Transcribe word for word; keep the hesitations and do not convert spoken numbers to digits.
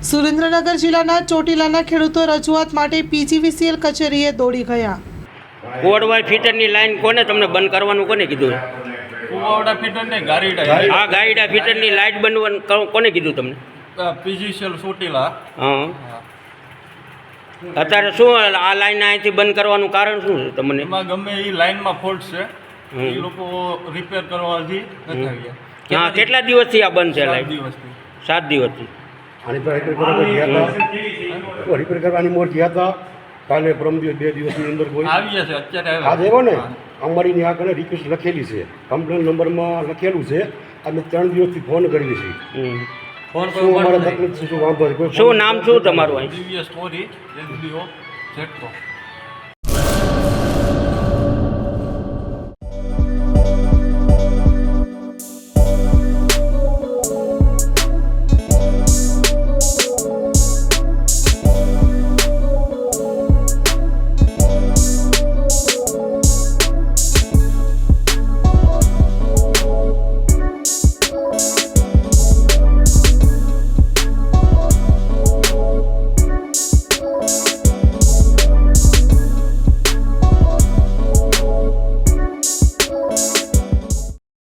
સુરેન્દ્રનગર જિલ્લાના ચોટીલાના ખેડૂતો રજૂઆત માટે પીજીવીસીએલ કચેરીએ દોડી ગયા. કોડવાય ફીટરની લાઈન કોને તમને બંધ કરવાનું કોને કીધું? કુવાવડા ફીટર ને ગારીડા આ ગાઈડા ફીટરની લાઈટ બંધ કોને કીધું તમને? પીજીસીએલ ચોટીલા. હા, અત્યારે શું આ લાઈન અહીંથી બંધ કરવાનું કારણ શું છે તમને? એમાં ગમે એ લાઈનમાં ફોલ્ટ છે, એ લોકો રિપેર કરવાથી નથી આવ્યા. હા, કેટલા દિવસથી આ બંધ છે સાત લાઈટ? દિવસથી. સાત દિવસથી. આની પર રિપેર કરવા ગયા હતા, રિપેર કરવાની મોર ગયા હતા કાલે પરમ દિવસ બે દિવસની અંદર કોઈ આવીએ છે અત્યારે આજે એવો ને અમારી આ કને રિક્વેસ્ટ લખેલી છે, કમ્પ્લેન નંબરમાં લખેલું છે. અમે ત્રણ દિવસથી ફોન કરીએ છીએ. હમ. શું અમારે તકલીફ છે, શું વાંધો છે? કોઈ શું નામ શું તમારું? અહીં દિવ્ય સ્ટોરી એસડીઓ જેટકો.